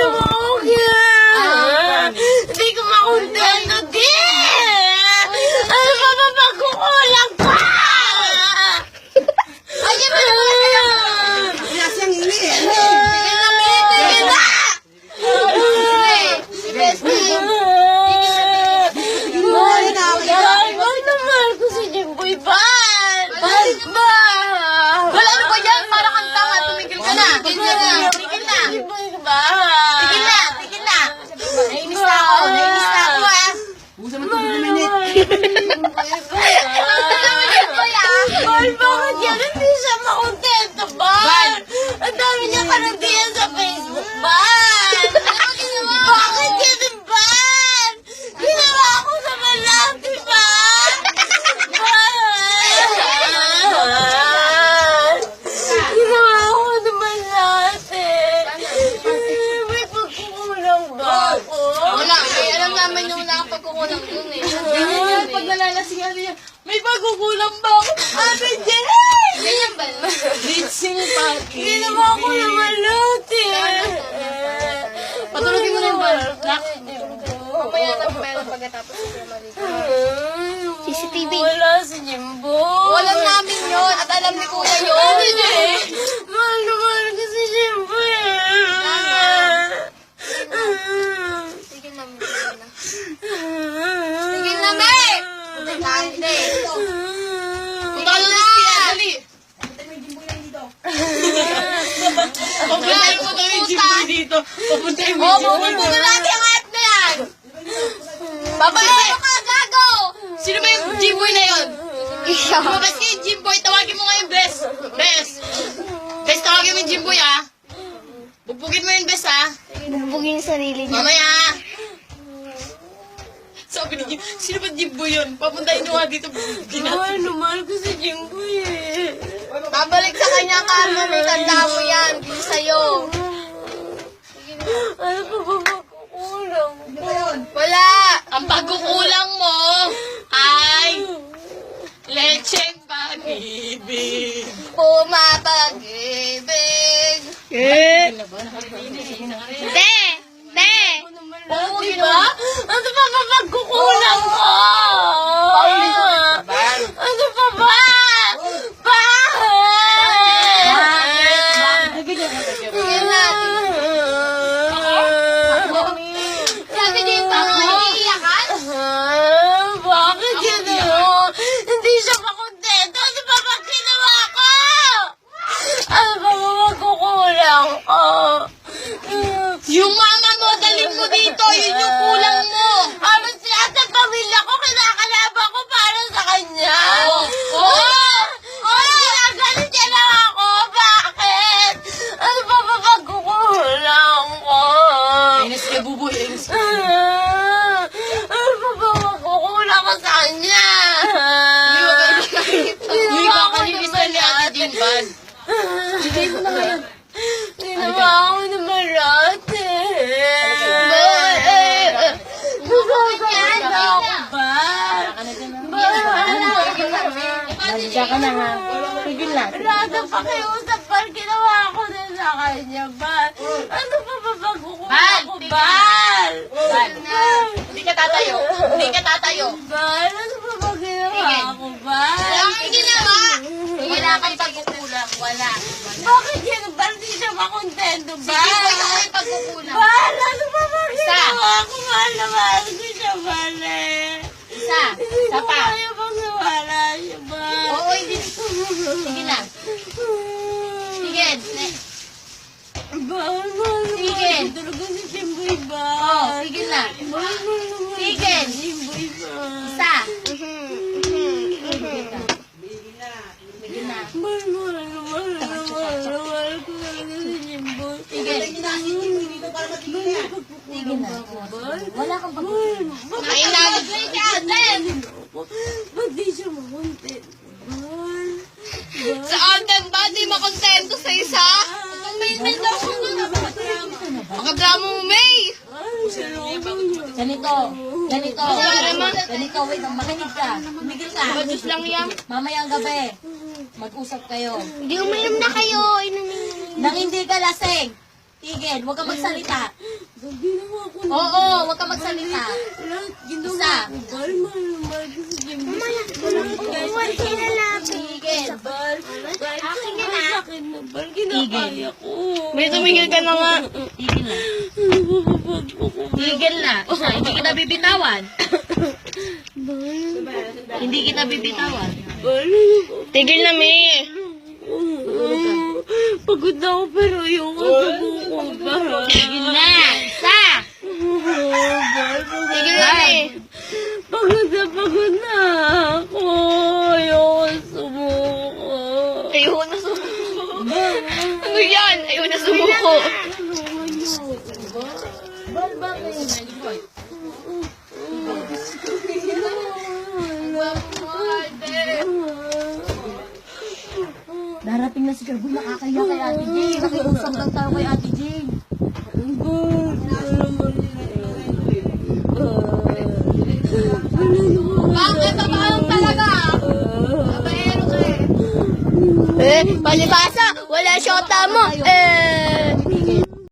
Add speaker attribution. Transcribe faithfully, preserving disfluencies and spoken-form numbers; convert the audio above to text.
Speaker 1: naman okay. Hindi ko makontento, di! Ano ba ba pagkukulang pa? Ayun mo naman kayo!
Speaker 2: Wala siyang ini eh.
Speaker 1: Tigil na, Bea! Tigil na! Si Bestie! Ay, bakit naman ko si Jimboy Ban? Bakit ba?
Speaker 3: Wala ano ba yan? Para kang tanga. Tumigil ka na. Tigil na. Tigil na.
Speaker 1: Jimboy ba?
Speaker 3: Tigil na. Tigil na. Nainis na ako. Nainis na ako ah.
Speaker 2: Busa mo ito minute.
Speaker 1: Bal, bakit yan? Hindi siya makontento, Bal! Ang dami niya karantiyan sa Facebook, Bal! Bakit yan, Bal? Ginawa ko sa malaki, Bal! Bal! Ginawa ko sa malaki! May pagkukulang ba ako?
Speaker 3: Wala. Ay, alam namin yung wala kang pagkukulang dun eh.
Speaker 1: Ganyan yan, pag nalalasing ano yan, may pagkukulang ba ako? Ate Jen!
Speaker 3: Ganyan ba?
Speaker 1: Litsing pati. Ginawa ko na malati.
Speaker 3: Patulogin mo na yung bal. Lock.
Speaker 1: Mamaya
Speaker 3: na meron pagkatapos sa Marico.
Speaker 1: C C T V. Wala si Jimbo.
Speaker 3: Alam namin yun. At alam ni Kuya yun.
Speaker 1: Mahal na mahal ko si Jimbo eh.
Speaker 3: Tigil na. Tigil na. Tigil na, May! Hindi. Punta ka na siya. Dali.
Speaker 1: Papuntahin mo daw yung Jimbo dito. Papuntahin mo
Speaker 3: Oo,
Speaker 1: yung Jimbo.
Speaker 3: pupunta natin ang app na yan. Babae mo ka, gago! Sino ba yung Jimboy na yun? Lumabas ka yung Jimboy, tawagin mo nga yung Bes. Bes. Bes, tawagin mo yung Jimboy ah. Bugbugin mo yung Bes ah.
Speaker 1: Bugbugin yung sarili niya.
Speaker 3: Mamaya. Sabi ni Jimboy, sino ba Jimboy yun? Papuntahin nyo nga dito.
Speaker 1: Mahal na mahal ko si Jimbo eh.
Speaker 3: Babalik sa kanya ka, may tanda mo yan. Hindi sa'yo.
Speaker 1: Ano pa ba magkukulang?
Speaker 3: Wala. Ang pagkukulang mo ay lecheng pag-ibig. Pumapag-ibig.
Speaker 1: Eh?
Speaker 3: Te! Te!
Speaker 1: Oo, diba? Ano pa ba magkukulang ko? Ano pa ba? Bakit?
Speaker 3: Tigil natin. Sabi niya yung baka iiyakan?
Speaker 1: Ah, bakit yun ano? Hindi siya makontento. Ano pa ba ginawa ko? Ano pa ba magkukulang ko?
Speaker 3: Yung mama mo, dalhin mo dito. Yun yung kulang mo.
Speaker 1: Habang lahat ng pamilya ko, kinakalaban ko para sa kanya.
Speaker 3: Oo.
Speaker 1: Oo! Oh, ginagalit niya lang ako. Bakit? Ano pa ba magkukulang ko?
Speaker 3: Inis ka, buboy. Inis ka.
Speaker 1: Ah, ano pa ba magkukulang ko sa kanya?
Speaker 3: Uy, kakalinis na ni Ate Jimban.
Speaker 1: Sige mo na ngayon. Ginawa ako naman lahat eh. Nagagawin na ako ba?
Speaker 2: Nandiyan ka na nga. Tigil na.
Speaker 1: Lahat ng pakiusap pa ginawa ko na sa kanya, Bal. Ano pa ba magkukulang ko, Bal?
Speaker 3: Hindi ka tatayo. Hindi ka tatayo.
Speaker 1: Bal, ano pa ba ginawa ko, Bal?
Speaker 3: Wala kang ginawa. Wala kang pagkukulang. Wala.
Speaker 1: Bakit yan? Bal, di siya makontento, Bal?
Speaker 3: Sige, boy, ako yung pagkukulang.
Speaker 1: Bal, ano pa ba ginawa ko? Mahal na mahal ko siya, Bal eh.
Speaker 3: Isa.
Speaker 1: Hindi
Speaker 3: Isa
Speaker 1: ko
Speaker 3: pa.
Speaker 1: kaya pang nawala siya, Bal.
Speaker 3: Oo, hindi. Sige na. Sige. Ne-
Speaker 1: Bal, mahal na
Speaker 3: Sige.
Speaker 1: mahal ko talaga si Jimboy, Bal.
Speaker 3: Oo, sige na.
Speaker 1: Mahal na mahal
Speaker 3: Sige.
Speaker 1: ko si Jimboy, Bal.
Speaker 3: Isa.
Speaker 2: Tigil na.
Speaker 1: Mahal, mahal na mahal na mahal na mahal ko talaga si Jimboy.
Speaker 3: Sige.
Speaker 2: Tigil na. Wala kang pag-
Speaker 3: Nainagod na yung atin.
Speaker 1: Ba't di siya makontent? Bal. Bal.
Speaker 3: Sa atin ba? Di makontento sa isa? Ang may may daw ko na. Makadrama mo, May.
Speaker 1: Ay, salamat niya.
Speaker 2: Ganito. Ganito. Ganito. Wait, makinig ka. Tumigil ka.
Speaker 3: Badus lang yan.
Speaker 2: Mamayang gabi. Mag-usap kayo.
Speaker 3: Hindi uminom na kayo.
Speaker 2: Nang hindi ka lasing. Tigil. Huwag ka magsalita.
Speaker 1: Ginawa ko na.
Speaker 2: Oo, huwag ka magsalita.
Speaker 1: Lahat ginawa
Speaker 2: Isa.
Speaker 1: ko. Bal, mahal na mahal ko si Jimboy. Lahat kahit
Speaker 2: Tigil.
Speaker 1: Bal, kahit sobrang sakit na bal, kinakaya ko.
Speaker 3: May tumigil ka na nga.
Speaker 2: Tigil na.
Speaker 1: Nababag ko ko.
Speaker 2: Tigil na. Isa, hindi kita bibitawan.
Speaker 1: Bal,
Speaker 2: Hindi kita bibitawan.
Speaker 1: bal,
Speaker 3: Tigil na, May.
Speaker 1: pagod na ako pero ayoko subuko ba?
Speaker 2: Tigil na. Isa.
Speaker 3: Tigil na, May.
Speaker 1: Pagod na pagod na ako. Ayoko sumuko.
Speaker 3: Ayoko na sumuko. Ano yan? Ayoko na sumuko.
Speaker 2: Bal, bakit? Boy. Darating na si Carboy, nakakaya kay Ate Jane. Nakiusap lang tayo kay Ate Jane.
Speaker 3: Bakit? Paano talaga? Babaero ka eh. Eh, palibasa, wala syota mo. Eh,